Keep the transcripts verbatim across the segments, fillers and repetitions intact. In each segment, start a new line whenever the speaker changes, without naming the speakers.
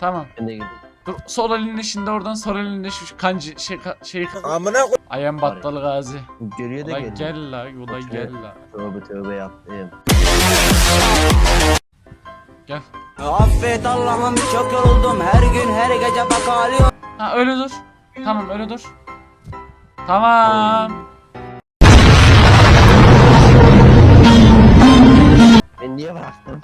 Tamam.
Ben de girdim.
Dur sol elinde şimdi oradan sol elinde şu kancı şey şey.
Amına koy.
Ayağım battalı gazi.
Geriye de
Ulan
geldim.
gel la, ulan gel la.
Tövbe tövbe yaptım.
Gel.
Affet Allah'ım çok yoruldum her gün her gece bak ağlıyorum.
Ha öyle dur. Tamam öyle dur. Tamam.
Ben niye bıraktım?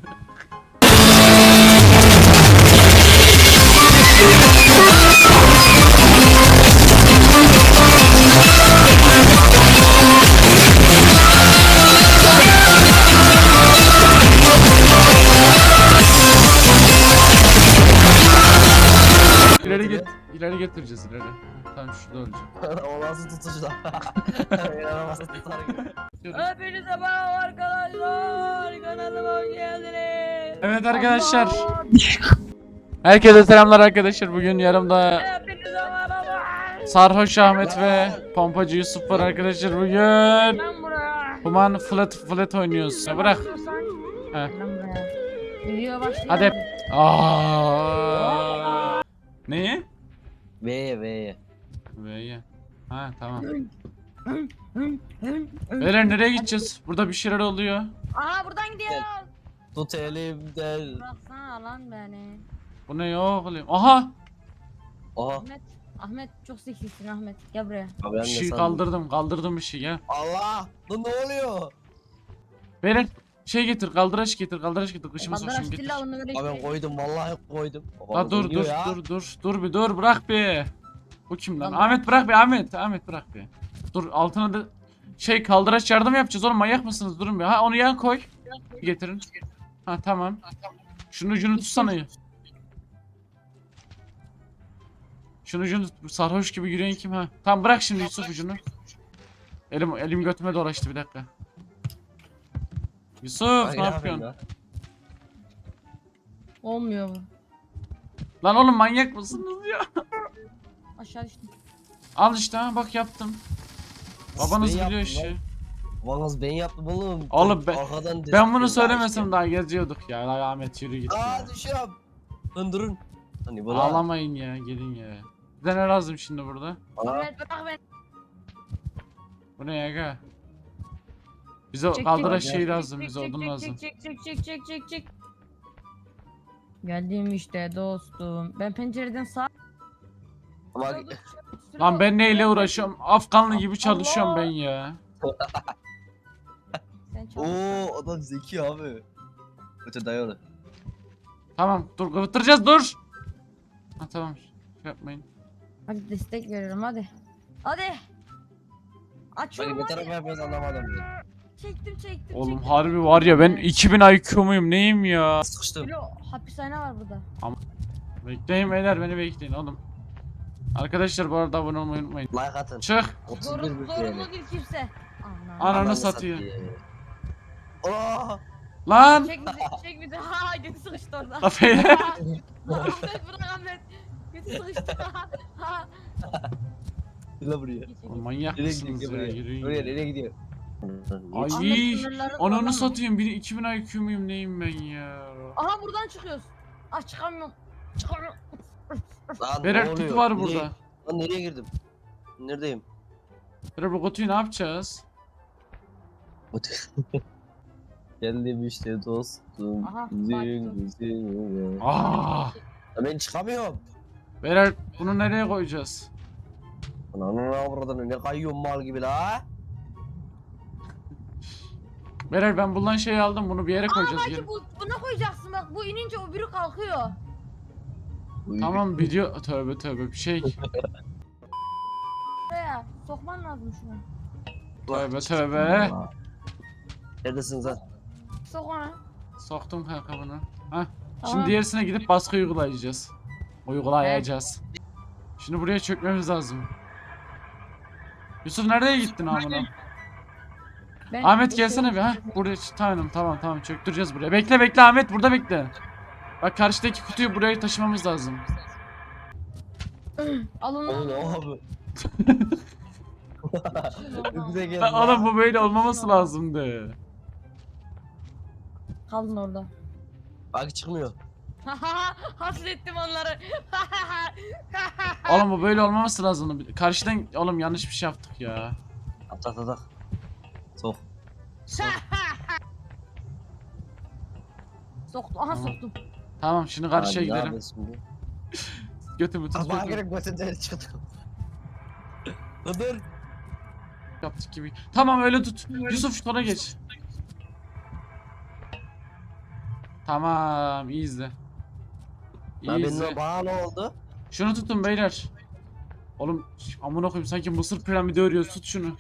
İleri git. İleri getireceğiz ileri. Tamam şurada olacak.
O nasıl tutucu da? Yaramazsa tutar gibi.
Hepinize merhaba arkadaşlar. Kanalıma hoş geldiniz.
Evet arkadaşlar. Herkese selamlar arkadaşlar. Bugün yanımda
Hepinize merhaba.
Sarhoş Ahmet ve Pompacı Yusuf var arkadaşlar bugün.
Lan buraya.
Human Flat Flat oynuyoruz. Ya bırak. He.
Lan buraya. Video başlıyor.
Hadi. Aa. Neyi?
V'ye V'ye.
V'ye. Ha tamam. Beyler nereye gideceğiz? Burada bir şeyler oluyor.
Aha buradan gidiyor.
Tut elimden.
Bıraksana lan beni.
Bu ne yok oğlum? Aha!
Oha.
Ahmet. Ahmet çok seksisin Ahmet. Gel buraya.
Abi ben
Bir
de
şey
sandım.
kaldırdım. Kaldırdım bir şey ya.
Allah! Lan ne oluyor?
Beyler şey getir. Kaldıraç getir. Kaldıraç getir. Kışımı
Bandara
sokuşum getir.
stilla onu böyle
Abi ben
gidiyor.
koydum vallahi koydum.
La
Babam
dur
oynuyor
dur
ya.
dur dur. Dur bir dur. Bırak bir. Bu kim lan?
Tamam.
Ahmet bırak bir. Ahmet. Ahmet bırak bir. Dur altına da şey kaldıraç yardım yapacağız oğlum. Manyak mısınız? Durun bir. Ha onu yan koy. Getirin. Ha tamam. Şunun ucunu tutsana. Şunun ucunu tut. Sarhoş gibi yürüyen kim ha? Tamam bırak şimdi Yusuf ucunu. Elim elim götüme dolaştı bir dakika. Yusuf
Ay,
ne
yapayım
yapıyorsun?
ya?
Olmuyor bu.
Lan oğlum manyak mısınız ya?
Aşağı düştüm.
Al işte ha bak yaptım. Babanız
Ben
biliyor
yaptım
işi.
lan. Babanız ben yaptım oğlum.
Oğlum ben-
Arkadan
Ben bunu
destek
söylemesem
verdim.
daha geziyorduk ya. Lan Ahmet yürü git ya.
Aa düşüyorum. Lan durun. Hani bu lan.
Ağlamayın ya gelin ya. Bize ne lazım şimdi burada?
Aa,
Ahmet bırak beni.
Bu ne ya? Bize
Çek,
kaldıraç
çek,
şey
çek,
lazım
çek,
bize
çek,
odun
çek,
lazım.
Çek çek çek çek çek çek. Geldim işte dostum. Ben pencereden sağ.
ama
Lan ben neyle uğraşıyorum? Afganlı gibi çalışıyorum ben ya.
Sen çalış.
ooo adam zeki abi. Öte dayalı.
Tamam dur kıvıttıracağız dur. Ha tamam. Şey yapmayın.
Hadi destek veriyorum hadi. Hadi. Açıyorum
Bak ne
hadi.
tarafa yapıyoruz anlamadım.
Çektim çektim
Oğlum
çektim.
harbi var ya ben iki bin I Q muyum neyim ya?
Sıkıştım.
Bilo hapishane var burada.
Bekleyin beyler beni bekleyin oğlum. Arkadaşlar bu arada abone olmayı unutmayın.
Like atın.
Çık.
otuz bir
Zorunlu,
bir
zorunlu değil kimse. Ana.
Ananı
Ananı
satıyor.
Aa!
Lan.
Çek bizi, çek bizi. Ha götü sıkıştı orada.
La beyler.
Ahmet bırak Ahmet. Götü sıkıştı. Ha.
Gel buraya.
Oğlum manyak
Nereye
mısınız
gidiyor
ya?
buraya?
Yürüyün
Buraya
ya.
nereye gidiyor?
Ay
Ahmet sınırları zorlama.
ananı satayım. Bir iki bin I Q muyum neyim ben ya?
Aha buradan çıkıyoruz. Ah çıkamıyorum. Çıkamıyorum.
Lan ne
Beyler
oluyor?
kutu var
Nereye-
burada.
Lan nereye girdim? Neredeyim?
Beyler bu kutuyu ne yapacağız?
Geldim işte dostum.
Aha,
Zing
baktım.
zing.
Aa!
Ya ben çıkamıyorum.
Beyler bunu nereye koyacağız?
Ananı avradını ne kayıyorsun mal gibi la.
Beyler ben bundan şey aldım bunu bir yere koyacağız.
Belki
Gelin.
bu, buna koyacaksın bak bu inince o biri kalkıyor.
Tamam video tövbe tövbe bir şey.
Buraya sokman lazım şunu.
Tövbe tövbe.
Neredesiniz lan?
Sok ona.
Soktum kanka bunu. Hah. Şimdi
Tamam.
diğerisine gidip baskı uygulayacağız. Uygulayacağız. Şimdi buraya çökmemiz lazım. Yusuf nereye gittin amına?
Ben-
Ahmet gelsene bir ha. Buraya tamam tamam tamam çöktüreceğiz buraya. Bekle bekle Ahmet burada bekle. Bak karşıdaki kutuyu buraya taşımamız lazım.
Al onu.
Oğlum abi. Ne güzel geldi.
Lan oğlum bu böyle olmaması lazımdı.
Kaldın orada.
Bak çıkmıyor.
Hasrettim onları.
Oğlum bu böyle olmaması lazım. Karşıdan oğlum yanlış bir şey yaptık ya.
At at at at. Sok. Sok.
Soktum. Aha soktum.
Tamam şimdi karşıya
Abi, ne
gidelim.
yapıyorsun şimdi?
Götümü tut
Ama
götümü.
gerek götünden çıktı. Dur.
Yaptık gibi. Tamam öyle tut. Yusuf şuna geç. Tamam iyi izle. İyi
Lan
izle.
benim bana ne oldu?
Şunu tutun beyler. Oğlum amına koyayım sanki Mısır piramidi örüyoruz, tut şunu.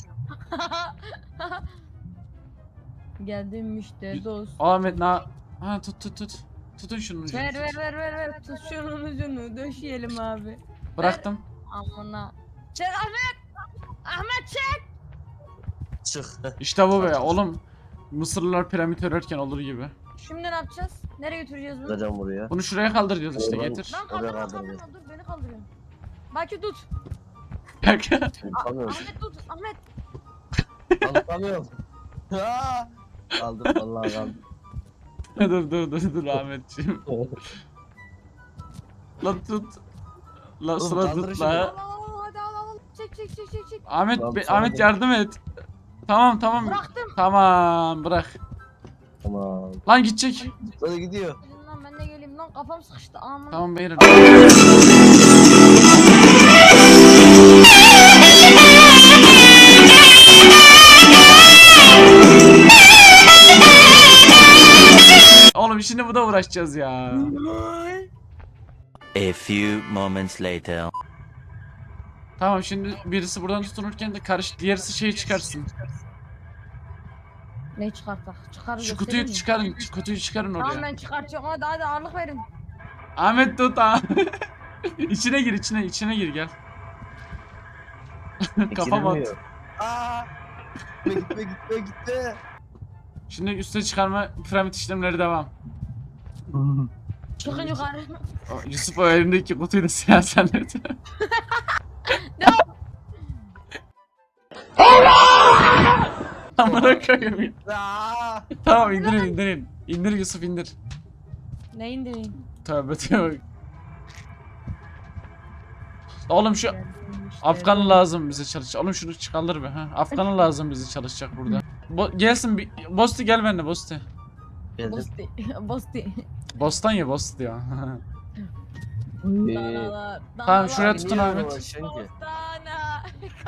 Geldim müşteri dost.
Ahmet na ha tut tut tut. Tutun şunu ucunu.
Ver
tut.
ver ver ver ver. Tut şunun ucunu. Döşeyelim abi.
Bıraktım.
Amına. Çek Ahmet. Ahmet çek.
Çık.
İşte bu be oğlum. Mısırlılar piramit örerken olur gibi.
Şimdi ne yapacağız? Nereye götüreceğiz bunu?
Tutacağım buraya.
Bunu şuraya kaldıracağız işte,
Oradan-
getir.
Lan
Oraya
kaldırma
kaldıracağız.
kaldırma dur beni kaldırıyorsun. Baki tut.
Kanka.
Tutamıyorum.
Ahmet tut. Ahmet.
Tutamıyorum. Aa! Kaldım vallahi kaldım.
dur dur dur dur Ahmetciğim. Lan tut. Lan
Oğlum,
sıra
kaldır
tut
şunu.
Al
la.
al al hadi al al. Çek çek çek çek çek.
Ahmet
Lan
be-
sana
Ahmet
da-
yardım et. Tamam tamam.
Bıraktım.
Tamam bırak.
Tamam.
Lan gidecek.
Böyle gidiyor.
Gelin lan ben de geleyim lan kafam sıkıştı aman.
Tamam beyler. Oğlum şimdi bu da uğraşacağız ya.
A few moments later.
Tamam şimdi birisi buradan tutunurken de karış diğerisi şeyi çıkarsın.
Ne çıkartak? Çıkarız.
Şu kutuyu çıkarın, şu kutuyu çıkarın
Tamam
oraya.
ben çıkartıyorum hadi hadi ağırlık verin.
Ahmet tut ha. içine gir, içine, içine gir gel. Kafam at.
Gidilmiyor. Aa! Gitme gitme gitme gitme.
Şimdi üste çıkarma piramit işlemleri devam.
Çıkın yukarı.
O, Yusuf o elindeki kutuyu da silah zannet. Amına koyayım ya.
Aa!
Tamam indirin indirin. İndir Yusuf indir.
Ne indireyim?
Tövbe tövbe. Oğlum şu Afganı lazım bize çalışacak. Oğlum şunu çıkalır be ha. Afganı lazım bize çalışacak burada. Bo gelsin bir Bosti gel benimle Bosti.
Geldim.
Bosti. Bosti.
Bostan ya Bosti ya.
Ee,
Danalar,
Tamam,
danalar.
şuraya tutun
niye
Ahmet.
uğraşıyorsun ki?
Bostana.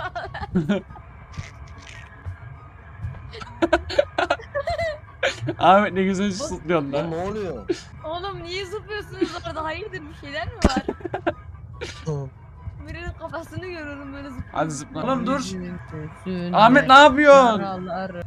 Ahmet ne güzel zıplıyorsun
Lan
da.
ne oluyor?
Oğlum niye zıplıyorsunuz orada? Hayırdır bir şeyler mi var? Birinin kafasını görüyorum böyle zıplıyor.
Hadi zıpla. Oğlum dur. Ahmet ne yapıyorsun?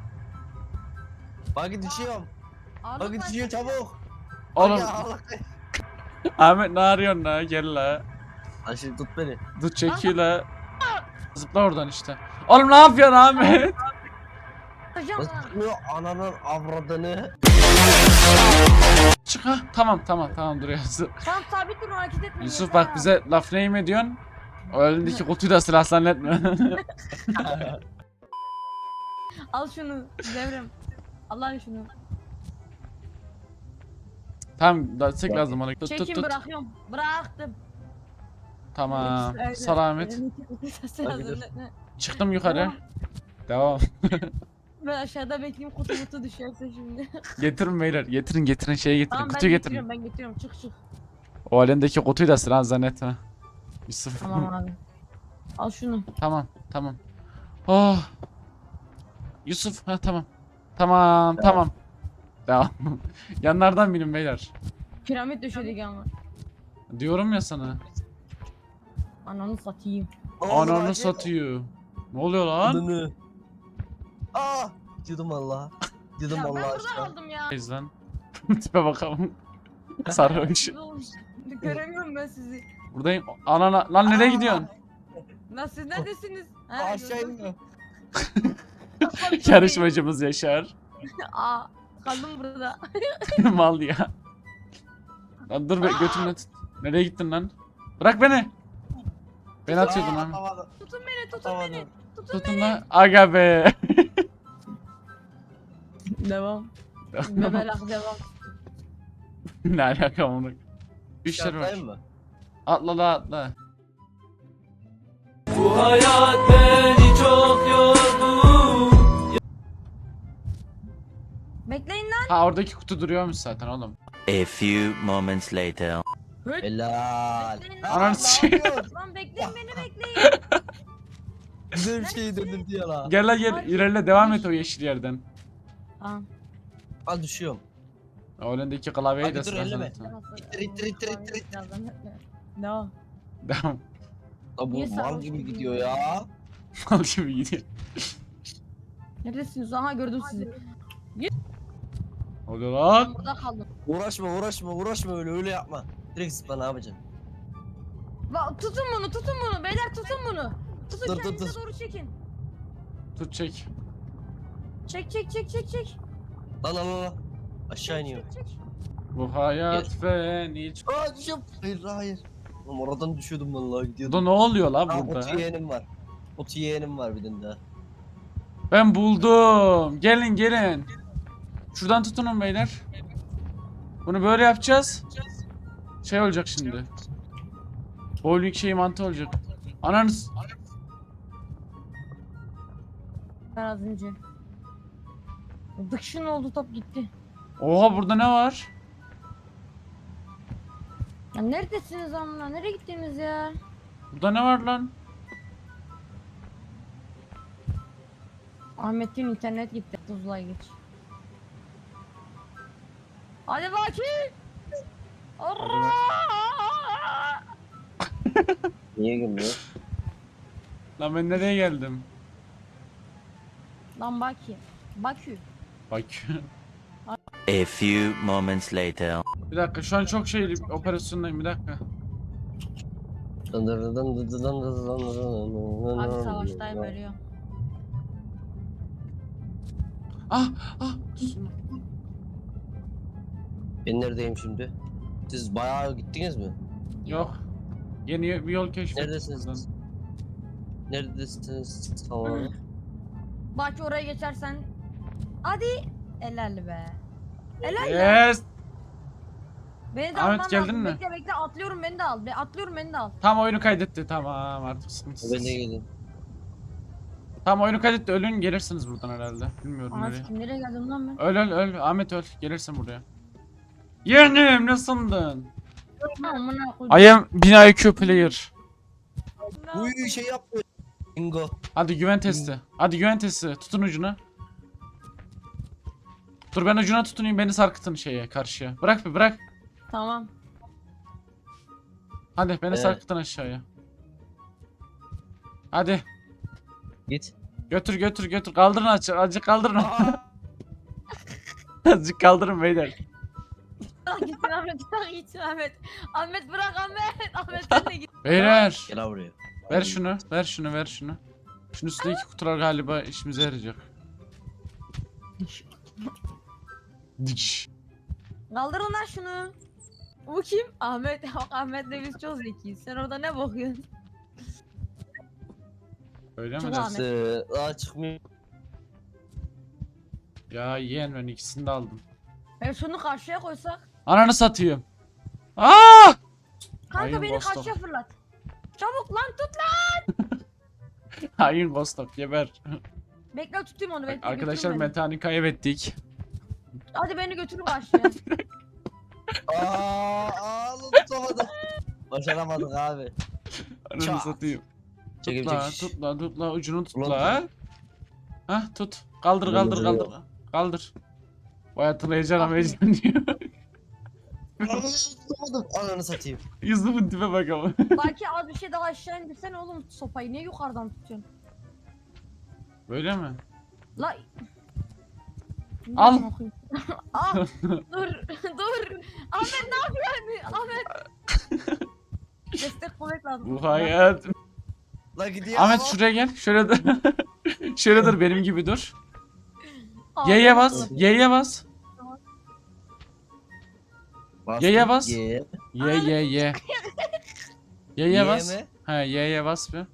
Bak düşüyorum. Bak düşüyor çabuk.
Oğlum
Ya Allah.
Ahmet ne arıyorsun la? Gel la.
Lan şimdi tut beni.
Dur çekiyor la. Zıpla oradan işte. Oğlum ne yapıyorsun Ahmet?
Hocam
Nasıl tutmuyor ananın avradını?
Çık ha. Tamam tamam tamam duruyorsun.
tam sabit durun hareket etmeyin.
Yusuf
yeter
bak
ha.
bize laf neyim ediyorsun? O elindeki kutuyu da silah zannetme.
Al şunu devrem. Allah şunu.
Tamam da tek lazım ona. Tut tut
Çekin
tut.
bırakıyorum. Bıraktım.
Tamam.
Öyle.
Sal Ahmet.
Hadi dur.
Çıktım yukarı. Devam.
Ben aşağıda bekleyeyim kutu kutu düşerse şimdi.
Getirin beyler. Getirin getirin şeyi getirin.
Tamam ben
Kutuyu getirin.
getiriyorum ben getiriyorum çık çık.
O elindeki kutuyu da silah zannetme. Yusuf.
Tamam abi. Al şunu.
Tamam, tamam. Oh. Yusuf, ha tamam. Tamam, tamam. Devam. Yanlardan binin beyler.
Piramit döşedik ama.
Diyorum ya sana.
Ananı satayım.
Ananı satıyor. Ne oluyor lan?
Adını. Aa! Gidiyordum valla. Gidiyordum
Ya ben
valla
burada
aşağı.
kaldım ya.
Neyse lan. Tipe bakalım. Sarhoş.
Göremiyorum ben sizi.
Buradayım. Anana. Lan nereye
Aa!
gidiyorsun?
Lan siz neredesiniz? Ha,
Aşağı
gördüm.
iniyor.
Yarışmacımız Yaşar.
Aa, kaldım burada.
Mal ya. Lan dur be götümle tut. Nereye gittin lan? Bırak beni. Beni atıyordun
Aa,
lan.
atamadım,
Tutun beni, tutun
atamadım.
beni. Tutun
Tutun lan. Aga be.
Devam. Bebelak devam.
Ne alaka onu? Üçler var.
Şartlayayım mı?
Atla la atla.
Bu hayat beni çok yordu.
Bekleyin lan.
Ha oradaki kutu duruyormuş zaten oğlum.
A few moments later.
Helal.
Bekleyin
Ha,
lan.
Ananı
ne
sikeyim.
yapıyorsun?
Lan bekleyin beni bekleyin.
Güzel bir şey döndüm diyor la.
Gel la gel ilerle devam et o yeşil yerden.
Tamam.
Al düşüyorum.
O önündeki klavyeyi
Hadi
de
dur,
sıra
elleme.
sana.
İttir, ittir, ittir, ittir, ittir.
No.
Devam.
La bu
Niye
mal
sarhoş
gibi
gibi
gidiyor
ya?
ya.
Al gibi gidiyor.
Neredesiniz? Aha gördüm sizi.
Oluyor lan.
Ben burada kaldım.
Uğraşma uğraşma uğraşma öyle öyle yapma. Direkt zıpla ne yapacaksın?
Bak tutun bunu tutun bunu beyler tutun bunu. Tutun
Dur, dur,
kendinize
dur.
doğru çekin.
Tut çek.
Çek çek çek çek çek.
Lan lan lan. Aşağı iniyor.
Çek, çek.
Bu hayat feni.
Aa düşüyorum. Hayır hayır. Oğlum oradan düşüyordum vallahi
Burada
gidiyordum.
ne oluyor
Aa
lan burada?
otu yeğenim var. Otu yeğenim var bir tane daha.
Ben buldum. Gelin gelin. Şuradan tutunun beyler. Bunu böyle yapacağız. Şey olacak şimdi. Bowling şey mantı olacak. Ananız.
Ben az önce. Dıkşın oldu top gitti.
Oha burada ne var?
Ya neredesiniz amına? Nereye gittiniz ya?
Burada ne var lan?
Ahmet'in internet gitti. Tuzla geç. Hadi bakayım. Allah!
Niye gülmüyor?
Lan ben nereye geldim?
Lan Baki. Bakü.
Bak.
A few moments later.
Bir dakika şu an çok şey operasyondayım bir dakika.
Abi savaştayım ölüyorum.
Ah ah. Tutun.
Ben neredeyim şimdi? Siz bayağı gittiniz mi?
Yok. Yeni bir yol keşfettim.
Neredesiniz? Neredesiniz? Tamam.
Baki oraya geçersen. Hadi. Helal be. Helal ya.
Yes.
Beni de
Ahmet,
alman
geldin
lazım.
mi?
Bekle bekle atlıyorum beni de al. Be, atlıyorum beni de al.
Tam oyunu kaydetti. Tamam artık sıkıntısız.
Ben de geldim.
Tam oyunu kaydetti. Ölün gelirsiniz buradan herhalde. Bilmiyorum nereye.
Ahmet kim nereye geldim lan ben?
Öl öl öl. Ahmet öl. Gelirsin buraya. Yeğenim ne sandın?
Amına koydum.
I am bin I Q player.
Uy şey yaptı. Bingo.
Hadi güven testi. Hadi güven testi. Tutun ucuna. Dur ben ucuna tutunayım beni sarkıtın şeye karşıya. Bırak bir bırak.
Tamam.
Hadi beni
Evet.
sarkıtın aşağıya. Hadi.
Git.
Götür götür götür. Kaldırın azıcık. Azıcık kaldırın. Azıcık kaldırın beyler.
Bırak gitsin Ahmet. Bırak gitsin Ahmet. Ahmet bırak Ahmet. Ahmet sen de git.
Beyler.
Gel buraya.
Ver şunu. Ver şunu ver şunu. Şunun üstündeki kutular galiba işimize yarayacak. Diş.
Kaldırın lan şunu. Bu kim? Ahmet. Bak Ahmet'le biz çok zekiyiz. Sen orada ne bakıyorsun?
Öyle mi
Çok
dersin?
Ee, Aa çıkmıyor.
Ya yeğen ben ikisini de aldım.
Ben şunu karşıya koysak.
Ananı satayım. Aa!
Kanka
Ayın
beni
Boston.
karşıya fırlat. Çabuk lan tut lan.
Hain Vostok geber.
Bekle tutayım onu bekle.
Arkadaşlar
götürün beni.
Metehan'ı kaybettik.
Hadi beni götürün karşıya.
Aa, aa lan tutamadım. Başaramadık abi.
Ananı
Çat.
satayım. Tut
Çekil
la,
çekiş.
tut la, tut la, ucunu tut
Ulan
la. Hah tut. Kaldır,
Ulan
kaldır,
duruyor.
kaldır. Kaldır. Vay hatırlayacağım heyecan diyor.
Aa, tutamadım. Ananı satayım.
Yüzümün tipe bak ama.
Belki az bir şey daha aşağı indirsene oğlum sopayı. Niye yukarıdan tutuyorsun?
Böyle mi?
La.
Al.
Al. Dur. Dur. Ahmet ne yapıyorsun? Ahmet. Destek kuvvet lazım.
Bu hayat.
La gidiyor.
Ahmet
ama.
şuraya gel. Şöyle dur. Şöyle dur benim gibi dur.
Ahmet.
Y'ye bas. Y'ye bas.
Bastım.
Y'ye bas.
Ye.
Y Y Y. Y'ye
Ye
bas.
mi?
He Y'ye bas bir.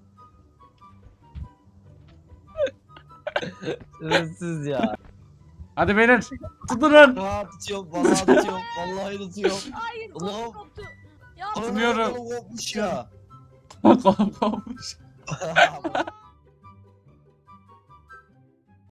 Hırsız ya.
Hadi beyler. Tutunun.
Aa tutuyorum. Vallahi tutuyorum. Vallahi tutuyorum.
Hayır
Allah'ım.
kolum koptu. Ya
Ana,
Tutunuyorum.
kolum kopmuş ya.
Kolum kopmuş.